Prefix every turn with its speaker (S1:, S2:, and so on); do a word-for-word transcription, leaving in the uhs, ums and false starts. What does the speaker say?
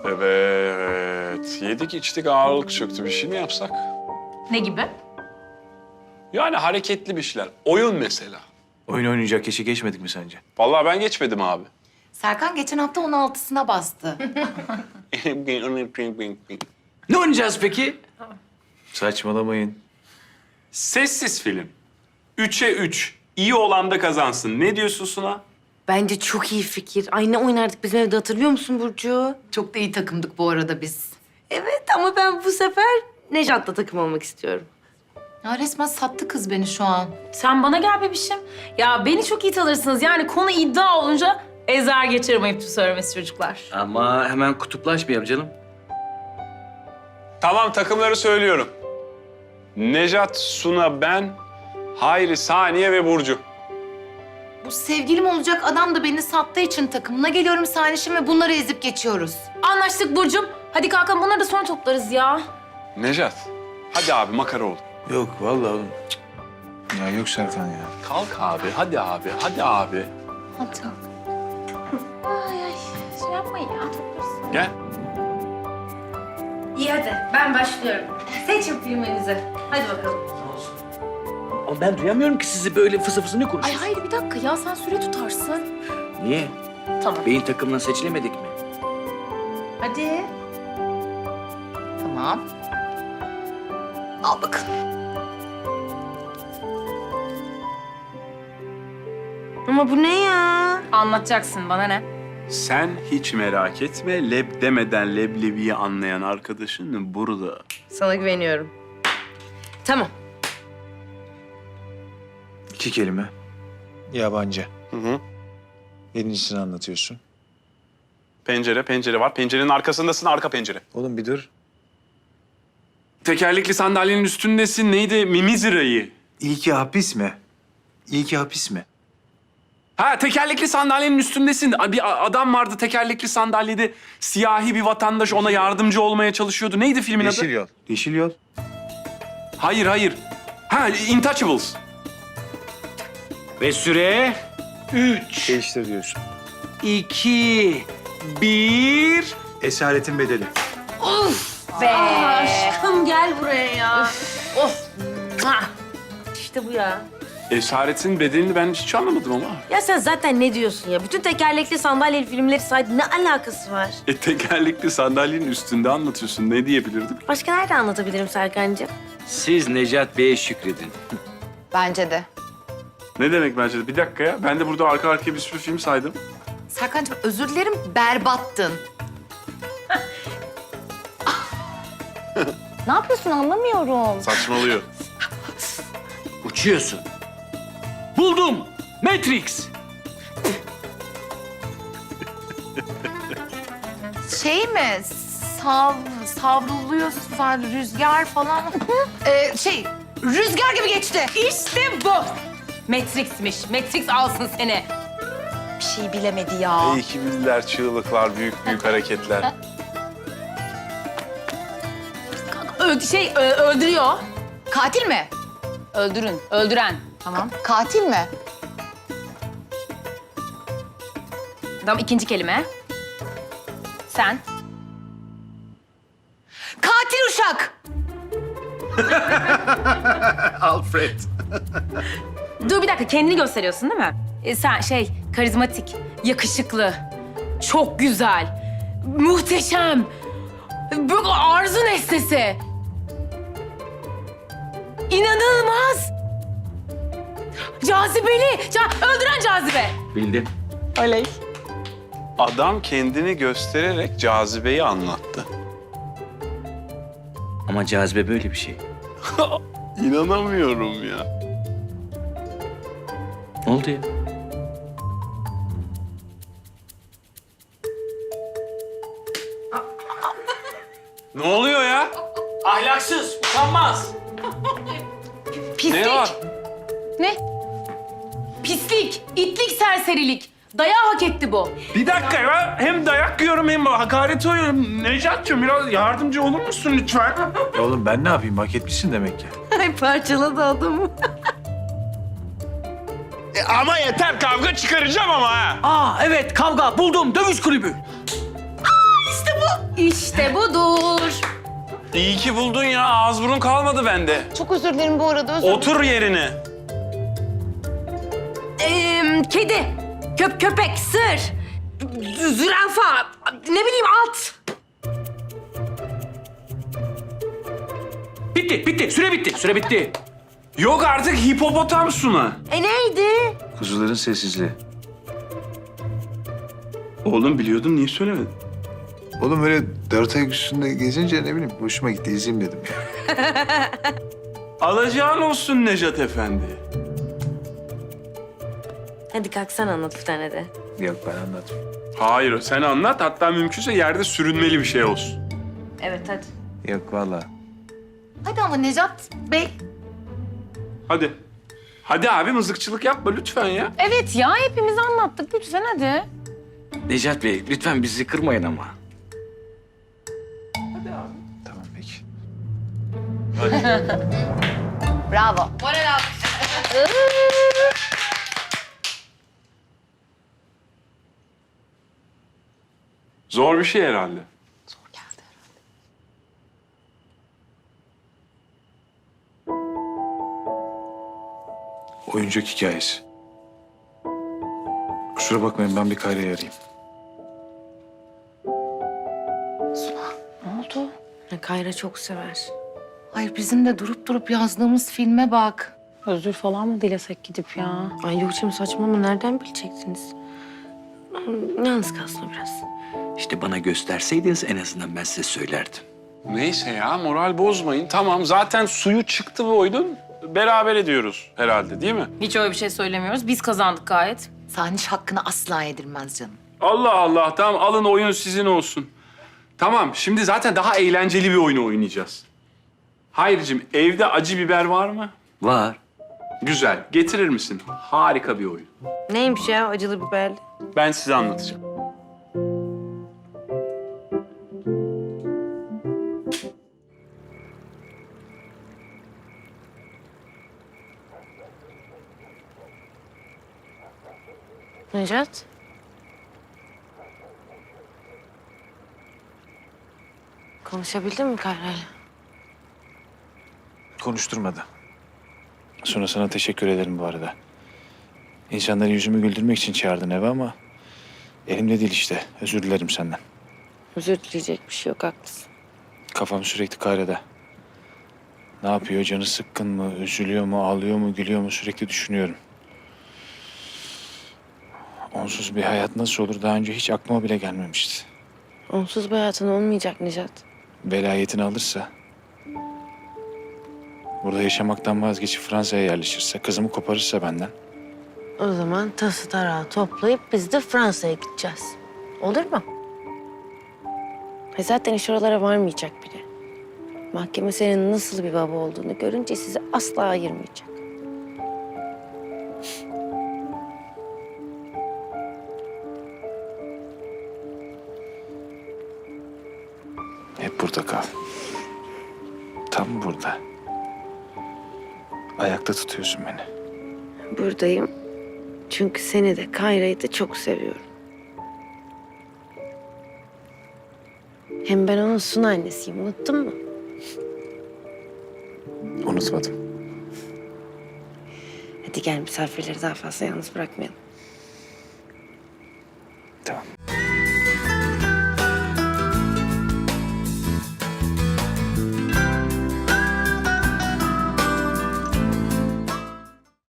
S1: Evet. Yedik içtik ağırlık çöktü. Bir şey mi yapsak?
S2: Ne gibi?
S1: Yani hareketli bir şeyler. Oyun mesela.
S3: Oyun oynayacak yaşı geçmedik mi sence?
S1: Vallahi ben geçmedim abi.
S4: Serkan geçen hafta on altısına bastı.
S3: Ne oynayacağız peki? Saçmalamayın.
S1: Sessiz film. Üçe üç. İyi olan da kazansın. Ne diyorsun Suna?
S5: Bence çok iyi fikir. Ay ne oynardık bizim evde, hatırlıyor musun Burcu?
S4: Çok da iyi takımdık bu arada biz.
S5: Evet ama ben bu sefer Nejat'la takım olmak istiyorum.
S4: Ya resmen sattı kız beni şu an.
S2: Sen bana gel bebişim. Ya beni çok iyi tanırsınız. Yani konu iddia olunca ezer geçerim ayıptır söylemesi çocuklar.
S3: Ama hemen kutuplaşmayalım canım.
S1: Tamam takımları söylüyorum. Nejat, Suna, ben, Hayri, Saniye ve Burcu.
S4: Bu sevgilim olacak adam da beni sattığı için takımına geliyorum Sanişim ve bunları ezip geçiyoruz.
S2: Anlaştık Burcu'm. Hadi kalkalım bunları da sonra toplarız ya.
S1: Nejat, hadi abi makara ol.
S3: Yok vallahi oğlum. Cık. Ya yok Serkan ya.
S1: Kalk abi, hadi abi, hadi abi.
S4: Hadi.
S2: Ay ay şey yapmayın ya toplarız.
S1: Gel.
S2: İyi hadi ben başlıyorum. Seçin filminizi. Hadi bakalım.
S3: Ama ben duyamıyorum ki sizi, böyle fısı fısı ne
S2: Ay
S3: konuşuyorsunuz?
S2: hayır bir dakika ya sen süre tutarsın.
S3: Niye?
S2: Tamam.
S3: Beyin takımından seçilemedik mi?
S4: Hadi. Tamam. Al bakalım.
S5: Ama bu ne ya?
S2: Anlatacaksın bana ne?
S1: Sen hiç merak etme, leb demeden leblebiyi anlayan arkadaşın burada.
S5: Sana güveniyorum. Tamam.
S3: İki kelime.
S6: Yabancı.
S1: Hı hı.
S6: Birincisini anlatıyorsun.
S1: Pencere, pencere var. Pencerenin arkasındasın, arka pencere.
S6: Oğlum bir dur.
S1: Tekerlekli sandalyenin üstündesin. Neydi? Mimizira'yı.
S6: İlki hapis mi? İlki hapis mi?
S1: Ha, tekerlekli sandalyenin üstündesin. Bir a- adam vardı tekerlekli sandalyede. Siyahi bir vatandaş ona yardımcı olmaya çalışıyordu. Neydi filmin adı?
S6: Yeşil yol. Yeşil yol.
S1: Hayır, hayır. Ha, Intouchables.
S3: Ve süre üç,
S6: Değiştir diyorsun.
S3: iki, bir.
S6: Esaretin bedeli.
S5: Be.
S2: Aşkım gel buraya ya.
S5: Of. Mwah. İşte bu ya.
S1: Esaretin bedelini ben hiç anlamadım ama.
S5: Ya sen zaten ne diyorsun ya? Bütün tekerlekli sandalyeli filmleri saydı. Ne alakası var?
S1: E, tekerlekli sandalyenin üstünde anlatıyorsun. Ne diyebilirdim?
S5: Başka nerede anlatabilirim Serkan'cığım?
S3: Siz Necat Bey'e şükredin.
S4: Bence de.
S1: Ne demek bence de? Bir dakika ya. Ben de burada arka arkaya bir sürü film saydım.
S4: Serkan'cığım özür dilerim berbattın. Ne yapıyorsun anlamıyorum.
S1: Saçmalıyor.
S3: Uçuyorsun. Buldum. Matrix.
S4: Şey mi? Sav, savruluyorsun falan, rüzgar falan. ee, şey, rüzgar gibi geçti.
S2: İşte bu. Matrix'miş. Matrix alsın seni.
S4: Bir şey bilemedi ya.
S1: İyi ki bildiler çığlıklar, büyük büyük hareketler.
S2: Ö şey ö- öldürüyor.
S4: Katil mi?
S2: Öldürün. Öldüren.
S4: Tamam. Katil mi?
S2: Tamam ikinci kelime. Sen.
S4: Katil uşak.
S6: Alfred.
S2: Dur bir dakika kendini gösteriyorsun değil mi? E, sen şey karizmatik, yakışıklı, çok güzel, muhteşem, böyle arzu nesnesi. İnanılmaz. Cazibeli, ca öldüren cazibe.
S3: Bildim.
S2: Oley.
S1: Adam kendini göstererek cazibeyi anlattı.
S3: Ama cazibe böyle bir şey.
S1: İnanamıyorum ya.
S3: Ne oldu ya?
S1: Ne oluyor ya?
S3: Ahlaksız, utanmaz.
S2: Pislik.
S1: Ne var?
S2: Ne? Pislik, itlik, serserilik. Dayağı hak etti bu.
S1: Bir dakika ya. Hem dayak yiyorum hem hakaret yiyorum. Necat'cığım biraz yardımcı olur musun lütfen?
S6: Oğlum ben ne yapayım? Hak etmişsin demek ki.
S5: Ay parçaladı adamı.
S1: E, ama yeter kavga çıkaracağım ama ha.
S3: Aa evet, kavga buldum, dövüş kulübü.
S5: İşte bu.
S2: İşte budur.
S1: İyi ki buldun ya. Ağız burun kalmadı bende.
S4: Çok özür dilerim bu arada. Özür
S1: Otur yerine.
S2: Ee, kedi, köp köpek, sır, zürafa, ne bileyim at.
S1: Bitti, bitti. Süre bitti, süre bitti. Yok artık hipopotam Suna.
S5: E neydi?
S6: Kuzuların sessizliği.
S1: Oğlum biliyordum, niye söylemedin?
S6: Oğlum öyle dört ayak üstünde gezince ne bileyim hoşuma gitti izleyeyim dedim ya.
S1: Alacağın olsun Nejat Efendi.
S5: Hadi kalk sen anlat bir tane de.
S6: Yok ben anlatmayayım.
S1: Hayır, sen anlat. Hatta mümkünse yerde sürünmeli bir şey olsun.
S2: Evet hadi.
S6: Yok vallahi.
S4: Hadi ama Necat Bey.
S1: Hadi. Hadi abi mızıkçılık yapma lütfen ya.
S2: Evet ya hepimiz anlattık lütfen hadi.
S3: Necat Bey lütfen bizi kırmayın ama.
S6: Tamam peki.
S4: Bravo.
S1: Zor bir şey herhalde.
S6: Oyuncak hikayesi. Kusura bakmayın ben bir Kayra'yı arayayım.
S4: Ne oldu?
S5: Ya Kayra çok sever.
S4: Hayır bizim de durup durup yazdığımız filme bak.
S2: Özür falan mı dilesek gidip ya?
S5: Ay yok canım saçmalama nereden bilecektiniz? Yalnız kalsın biraz.
S3: İşte bana gösterseydiniz en azından ben size söylerdim.
S1: Neyse ya moral bozmayın. Tamam zaten suyu çıktı bu oyunun. Beraber ediyoruz herhalde değil mi?
S2: Hiç öyle bir şey söylemiyoruz. Biz kazandık gayet.
S4: Saniş hakkını asla yedirmez canım.
S1: Allah Allah tamam alın oyun sizin olsun. Tamam şimdi zaten daha eğlenceli bir oyunu oynayacağız. Hayırcığım evde acı biber var mı?
S3: Var.
S1: Güzel. Getirir misin? Harika bir oyun.
S5: Neymiş ya acılı biberli?
S1: Ben size anlatacağım.
S5: Necat? Konuşabildin mi Kayra'yla?
S6: Konuşturmadı. Sonra sana teşekkür ederim bu arada. İnsanları yüzümü güldürmek için çağırdın eve ama... elimde değil işte. Özür dilerim senden.
S5: Özür dileyecek bir şey yok haklısın.
S6: Kafam sürekli Kayra'da. Ne yapıyor? Canı sıkkın mı? Üzülüyor mu? Ağlıyor mu? Gülüyor mu? Sürekli düşünüyorum. Onsuz bir hayat nasıl olur? Daha önce hiç aklıma bile gelmemişti.
S5: Onsuz bir hayatın olmayacak Necat.
S6: Velayetini alırsa... burada yaşamaktan vazgeçip Fransa'ya yerleşirse... kızımı koparırsa benden...
S5: O zaman tası tarağı toplayıp biz de Fransa'ya gideceğiz. Olur mu? E zaten iş oralara varmayacak bile. Mahkeme senin nasıl bir baba olduğunu görünce sizi asla ayırmayacak.
S6: Hep burada kal. Tam burada. Ayakta tutuyorsun beni.
S5: Buradayım. Çünkü seni de Kayra'yı da çok seviyorum. Hem ben onun Sun annesiyim. Unuttun mu?
S6: Unutmadım.
S5: Hadi gel misafirleri daha fazla yalnız bırakmayalım.